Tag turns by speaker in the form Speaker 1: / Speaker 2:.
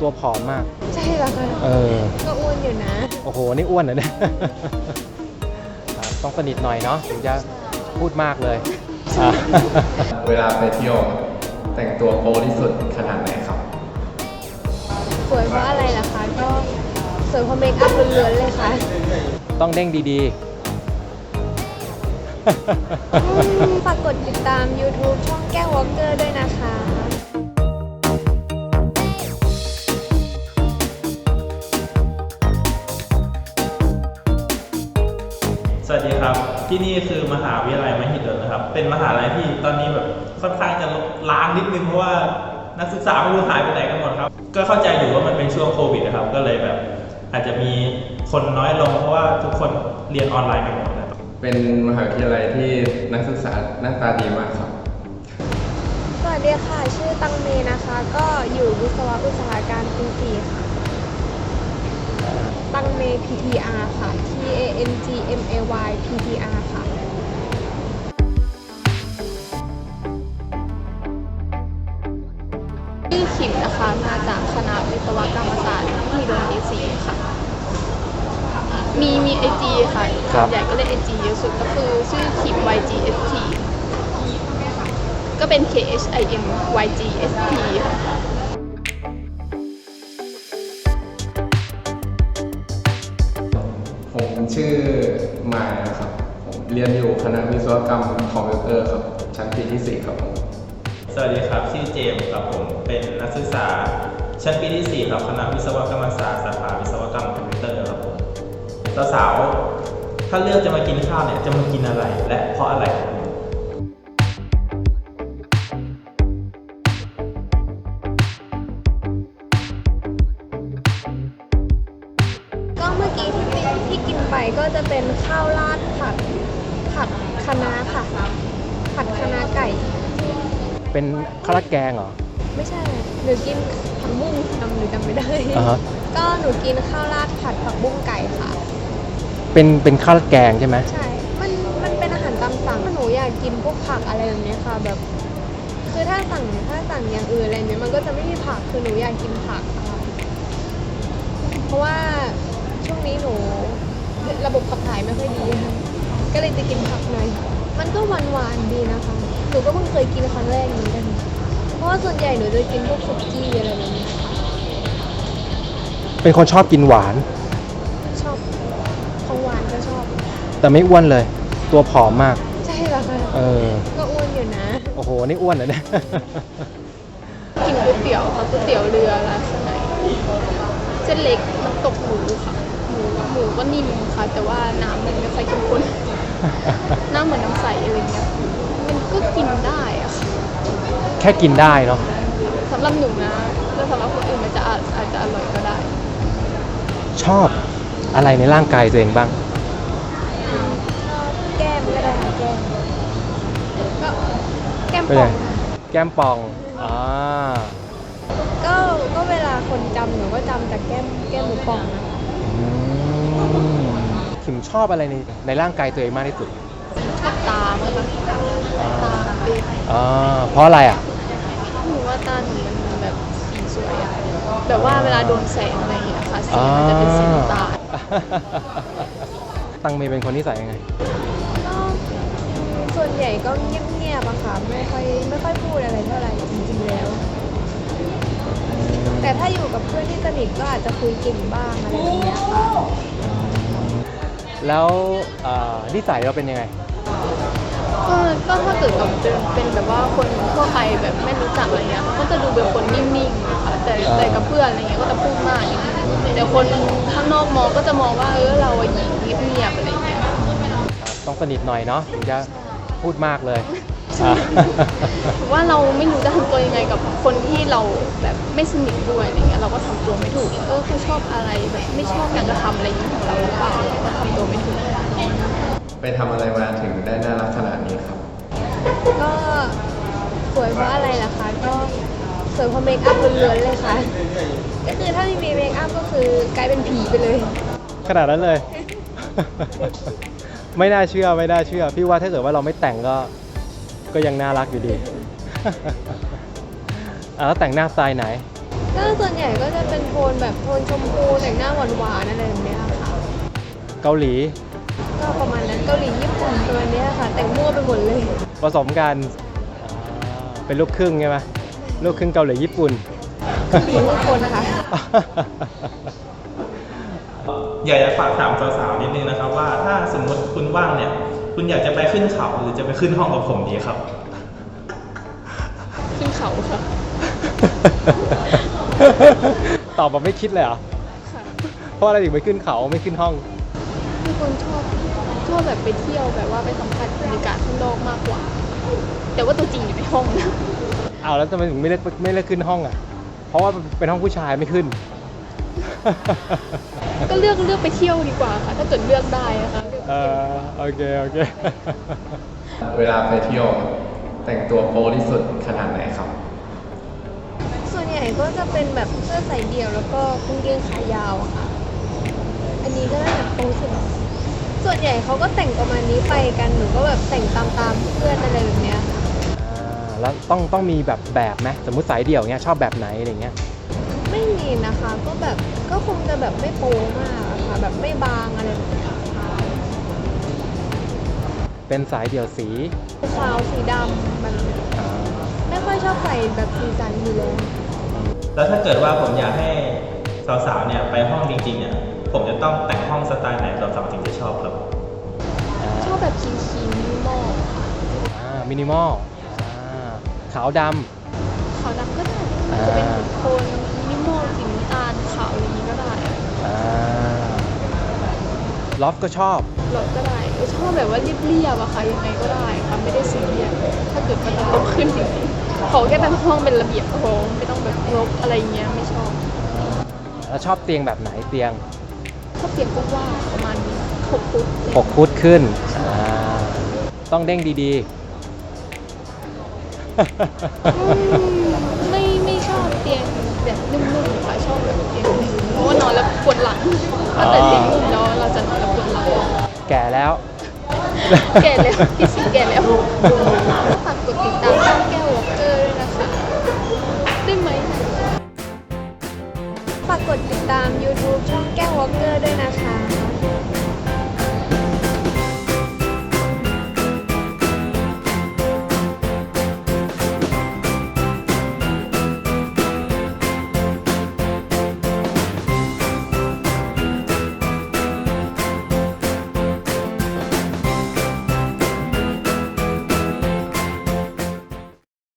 Speaker 1: ตัวผอมมาก
Speaker 2: ใช่แล้วค่ะก็อ้วนอยู่นะ
Speaker 1: โอ้โหนี่อ้วนเหรอเนี่ยต้องสนิทหน่อยเนาะถึงจะพูดมากเลย
Speaker 3: เวลาไปเที่ยวแต่งตัวโป๊ที่สุดขนาดไหนครับ
Speaker 2: สวยเพราะอะไรล่ะคะก็สวยเพราะเมคอัพล้วนๆเลยค่ะ
Speaker 1: ต้องเด้งดี
Speaker 2: ฝากกดติดตาม YouTube ช่องแก้ววอล์กเกอร์ด้วยนะคะ
Speaker 4: สวัสดีครับที่นี่คือมหาวิทยาลัยมหิดลนะครับเป็นมหาลัยที่ตอนนี้แบบค่อนข้างจะล้างนิดนึงเพราะว่านักศึกษาไม่รู้หายไปไหนกันหมดครับก็เข้าใจอยู่ว่ามันเป็นช่วงโควิดนะครับก็เลยแบบอาจจะมีคนน้อยลงเพราะว่าทุกคนเรียนออนไลน์กันหมดนะครับ
Speaker 3: เป็นมหาวิทยาลัยที่นักศึกษาหน้าตาดีมากครับ
Speaker 2: สวัสดีค่ะชื่อตังเมนะคะก็อยู่วิศวะอุตสาหการปี 4ค่ะตังเม PTR ค่ะ TANGMAY PTR ค่ะชื่อขิมนะคะมาจากคณะวิศวกรรมศาสตร์มหิดลปี 4ค่ะมี IG ค่ะส่วนใหญ่ก็เล่น IG เยอะสุดก็คือชื่อขิม YGST ก็เป็น KHIM YGST ค่ะ
Speaker 3: ผมชื่อมายนะครับผมเรียนอยู่คณะวิศวกรรมคอมพิวเตอร์ครับชั้นปีที่ 4ครับผม
Speaker 4: สวัสดีครับชื่อเจมส์ครับผมเป็นนักศึกษาชั้นปีที่ 4ครับคณะวิศวกรรมศาสตร์สาขาวิศวกรรมคอมพิวเตอร์ครับผมสาวๆถ้าเลือกจะมากินข้าวเนี่ยจะมากินอะไรและเพราะอะไรครับ
Speaker 2: ก็เมื่อกี้ที่กินไปก็จะเป็นข้าวราดผัดคะน้าค่ะผัดคะน้าไก่
Speaker 1: เป็นข้าวราดแกงเหรอ
Speaker 2: ไม่ใช่หนูกินผักบุ้งหนูจำไม่ได้ก็หนูกินข้าวราดผัดผักบุ้งไก่ค่ะ
Speaker 1: เป็นข้าวราดแกงใช่ไหม
Speaker 2: ใช่มันเป็นอาหารตามสั่งหนูอยากกินพวกผักอะไรแบบนี้ค่ะแบบคือถ้าสั่งอย่างอื่นอะไรเนี้ยมันก็จะไม่มีผักคือหนูอยากกินผักค่ะเพราะว่าช่วงนี้หนูระบบขับถ่ายไม่ค่อยดีก็เลยจะกินผักหน่อยมันก็หวานดีนะคะหนูก็เพิ่งเคยกินครั้งแรกนี้กันเพราะว่าส่วนใหญ่หนูจะกินพวกสุกี้อะไรแบบนี้
Speaker 1: เป็นคนชอบกินหวาน
Speaker 2: ชอบของหวานก็ชอบ
Speaker 1: แต่ไม่อ้วนเลยตัวผอมมาก
Speaker 2: ใช่แล้วค่ะก็อ้วนอยู่นะ
Speaker 1: โอ้โหนี่อ้วนเหรอเนี่ย
Speaker 2: กินก๋วยเตี๋ยวค่ะก๋วยเตี๋ยวเรือร้านสมัยเส้นเล็กน้ำตกหมูค่ะหมูก็นิ่มค่ะแต่ว่าน้ำมันไม่ค่อยเข้มข้นน้ำเหมือนน้ำใสอะไรเงี้ยมันก็กินได้อะค่ะ
Speaker 1: แค่กินได้เนาะ
Speaker 2: สำหรับหนูนะแล้วสำหรับคนอื่นมันจะอาจจะอร่อยก็ได้
Speaker 1: ชอบอะไรในร่างกายตัวเองบ้าง
Speaker 2: ชอบแก้มก็ได้ค่ะก็แก้มป่อง
Speaker 1: แก้มป่อง
Speaker 2: ก็เวลาคนจำหนูก็จำจากแก้มหมูป่องนะ
Speaker 1: ขิมชอบอะไรในร่างกายตัวเองมากที่สุด
Speaker 2: ชอบตาเมื่อกี้ตา
Speaker 1: เพราะอะไรอ่ะ
Speaker 2: หนูว่าตาหนูมันแบบสีสวยอะแบบว่าเวลาโดนแสงอะไรอย่างเงี้ยค่ะสีมันจะเป็นสีน้ำตาล
Speaker 1: ตังเมย์เป็นคนนิสัยยังไง
Speaker 2: ก็ส่วนใหญ่ก็เงียบๆอะค่ะไม่ค่อยพูดอะไรเท่าไหร่จริงๆแล้วแต่ถ้าอยู่กับเพื่อนที่สนิทก็อาจจะคุยเก่งบ้างอะไรแบบนี้ค่ะ
Speaker 1: แล้วนิสัยเราเป็นยังไง
Speaker 2: ก็ถ้าเกิดกับเป็นแบบว่าคนทั่วไปแบบไม่รู้จักอะไรเงี้ยก็จะดูเป็นคนนิ่งๆนะคะแต่กับเพื่อนอะไรเงี้ยก็จะพูดมากนิดนึงแต่คนข้างนอกมองก็จะมองว่าเราหญิงเงียบๆอะไรเงี้ย
Speaker 1: ต้องสนิทหน่อยเนาะถึงจะพูดมากเลย
Speaker 2: ว่าเราไม่รู้จะทำตัวยังไงกับคนที่เราแบบไม่สนิทด้วยอะไรเงี้ยเราก็ทำตัวไม่ถูกเขาชอบอะไรแบบไม่ชอบอยากจะทำอะไรอย่างนี้ของเราหรือเปล่าเราก็ทำตัวไม่ถูก
Speaker 3: ไปทำอะไรมาถึงได้น่ารักขนาดนี้ครับ
Speaker 2: ก็สวยเพราะอะไรล่ะคะก็สวยเพราะเมคอัพล้วนๆเลยค่ะก็คือถ้าไม่มีเมคอัพก็คือกลายเป็นผีไปเลย
Speaker 1: ขนาดนั้นเลย ไม่น่าเชื่อพี่ว่าถ้าเกิดว่าเราไม่แต่งก็ยังน่ารักอยู่ดีแล้วแต่งหน้าสไตล์ไหน
Speaker 2: ก็ส่วนใหญ่ก็จะเป็นโทนแบบโทนชมพูแต่งหน้าหวานๆอะไรแบบเนี้ยค่ะ
Speaker 1: เกาหลี
Speaker 2: ก็ประมาณนั้นเกาหลีญี่ปุ่นตัวเนี้ยค่ะ แต่งมั่วไปหมดเลย
Speaker 1: ผสมกันเป็นลูกครึ่งใช่ไหมลูกครึ่งเกาหลีญี่ปุ่น
Speaker 2: มีทุกคนนะคะ
Speaker 4: อยากจะฝากถามสาวๆนิดนึงนะครับว่าถ้าสมมติคุณว่างเนี่ย คุณอยากจะไปขึ้นเขาหรือจะไปขึ้นห้องกับผมดีครับ
Speaker 2: ขึ้นเขาค่ะ
Speaker 1: ตอบแบบไม่คิดเลยเหรอ
Speaker 2: ค่ะ
Speaker 1: เพราะอะไรถึงไปขึ้นเขาไม่ขึ้นห้อง
Speaker 2: คือคนชอบแบบไปเที่ยวแบบว่าไปสัมผัสบรรยากาศข้างนอกมากกว่า แต่ว่าตัวจริงอยู่ในห้องนะ
Speaker 1: เอาแล้วทำไมถึงไม่เลือกขึ้นห้องอ่ะ เพราะว่าเป็นห้องผู้ชายไม่ขึ้น
Speaker 2: ก็เลือกไปเที่ยวดีกว่าค่ะ ถ้าเกิดเลือกได้นะคะ
Speaker 1: โอเค
Speaker 3: เวลาไปเที่ยวแต่งตัวโป๊ที่สุดขนาดไหนครับ
Speaker 2: ส่วนใหญ่ก็จะเป็นแบบเสื้อใส่เดี่ยวแล้วก็กางเกงขายาวอะค่ะ อันนี้ก็น่าจะโป๊สุดส่วนใหญ่เขาก็แต่งประมาณนี้ไปกัน หนูก็แบบแต่งตามเพื่อนอะไรแบบเนี้ยค่ะ
Speaker 1: แล้วต้องมีแบบไหมสมมุติสายเดี่ยวเงี้ยชอบแบบไหนอะไรเงี้ย
Speaker 2: ไม่มีนะคะ ก็แบบก็คงจะแบบไม่โป๊มากอะค่ะ แบบไม่บางอะไรแบบเนี้ยค่ะ
Speaker 1: เป็นสายเดี่ยวสี
Speaker 2: ขาวสีดำมันไม่ค่อยชอบใส่แบบสีสันอยู่แล้ว
Speaker 4: แล้วถ้าเกิดว่าผมอยากให้สาวๆเนี่ยไปห้องจริงๆเนี่ยผมจะต้องแต่งห้องสไตล์ไหนสาวๆถึงจะชอบครับ
Speaker 2: ชอบแบบคลีนมินิมอลค่ะ
Speaker 1: มินิมอลขาวด
Speaker 2: ขาวดำก็ได้จะเป็นโทนมินิมอลสีน้ำตาลขาวอะไรอย่างนี้ก็ได้
Speaker 1: ำลอฟก็ชอบ
Speaker 2: รถก็ได้ชอบแบบว่าเรียบๆอะค่ะยังไงก็ได้ค่ะไม่ได้ซีเรียสถ้าเกิดมันจะโตขึ้นจริงๆขอแค่เป็นห้องเป็นระเบียบพอไม่ต้องแบบรกอะไรเงี้ยไม่ชอบ
Speaker 1: แล้วชอบเตียงแบบไหนเตียง
Speaker 2: ชอบเตียงกว้างๆประมาณนี้6 ฟุต
Speaker 1: 6 ฟุตขึ้นต้องเด้งดี
Speaker 2: ไม่ชอบเตียงแบบนุ่มๆค่ะชอบแบบเตียงนิ่มเพราะว่านอนแล้วปวดหลังถ้าเกิดเตียงนุ่มแล้วเราจะนอนแล้วปวดหลัง
Speaker 1: ๆ แก่แล้ว
Speaker 2: แก่แล้วพี่สิงแก่แล้วฝากกดติดตามช่องแก้ววอล์กเกอร์ด้วยนะคะได้ไหมฝากกดติดตาม YouTube ช่องแก้ววอล์กเกอร์ด้วยนะคะ